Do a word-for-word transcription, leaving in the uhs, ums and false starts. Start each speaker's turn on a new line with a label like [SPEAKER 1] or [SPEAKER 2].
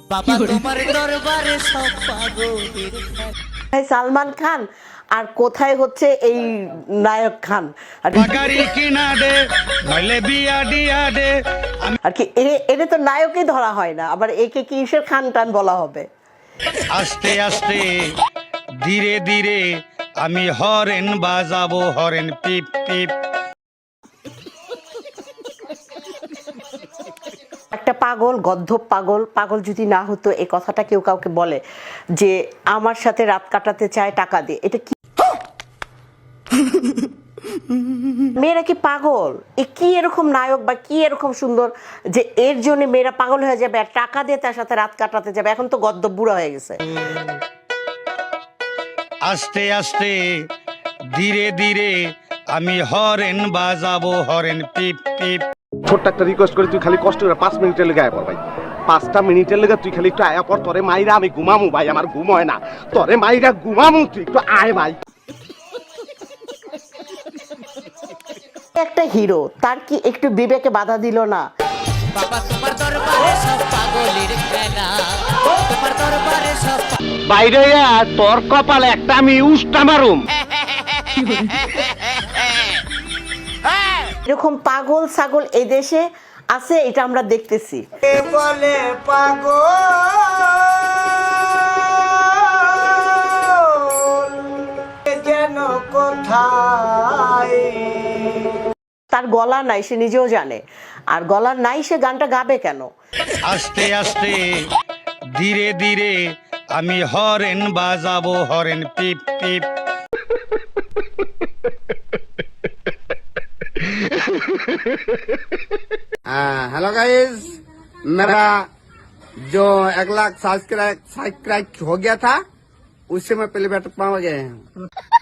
[SPEAKER 1] বাবা তোমার দরবারে সব পাগলের খেলা।
[SPEAKER 2] সালমান খান আর কোথায় হচ্ছে এই নায়ক খান আর
[SPEAKER 3] বাগারি কিনা দে নইলে বিয়া দিয়া দে।
[SPEAKER 2] আর কি এটা তো নায়কই ধরা হয় না, আবার একে কিসের খান টান বলা হবে?
[SPEAKER 3] আস্তে আস্তে ধীরে ধীরে আমি হরেন বাজাবো, হরেন পিপ পিপ।
[SPEAKER 2] একটা পাগল, গদ্ধব পাগল, পাগল যদি না হতো এই কথাটা কেউ কাউকে বলে যে আমার সাথে রাত কাটাতে চায় টাকা দিয়ে, এটা কি? মেয়েরা কি পাগল? এ কি এরকম নায়ক বা কি এরকম সুন্দর যে এর জন্য মেয়েরা পাগল হয়ে যাবে আর টাকা দিয়ে তার সাথে রাত কাটাতে যাবে? এখন তো গদ্ধব বুড়া হয়ে গেছে।
[SPEAKER 3] আস্তে আস্তে ধীরে ধীরে আমি হরেন বাজাবো, হরেন পিপ পিপ।
[SPEAKER 4] ছোট্ট একটা রিকোয়েস্ট করি, তুই খালি কষ্ট করে পাঁচ মিনিটের লেগে আয়া পর ভাই, পাঁচটা মিনিটের লেগে তুই খালি একটু আয়া পর। তোরে মাইরা আমি ঘুমামু ভাই, আমার ঘুম হয় না। তোরে মাইরা ঘুমামু, তুই একটু আয় ভাই।
[SPEAKER 2] একটা হিরো, তার কি একটু বিবেকে বাধা দিল না?
[SPEAKER 1] বাবা তোমার দরবারে সব পাগলের খেলা, তোমার দরবারে সব
[SPEAKER 4] বাইরে তোর কপালে একটা আমি উষ্টা মারুম।
[SPEAKER 2] এরকম পাগল ছাগল এই দেশে আছে, এটা আমরা দেখতেছি।
[SPEAKER 5] বলে পাগল যেন কোথায়।
[SPEAKER 2] তার গলা নাই, সে নিজেও জানে, আর গলা নাই সে গানটা গাবে কেন?
[SPEAKER 3] আস্তে আস্তে ধীরে ধীরে আমি হরেন বাজাবো, হরেন পিপ পিপ।
[SPEAKER 6] हेलो गाइस, मेरा जो एक लाख सब्सक्राइब सब्सक्राइब हो गया था उससे मैं पहले बैठ पा गए हैं।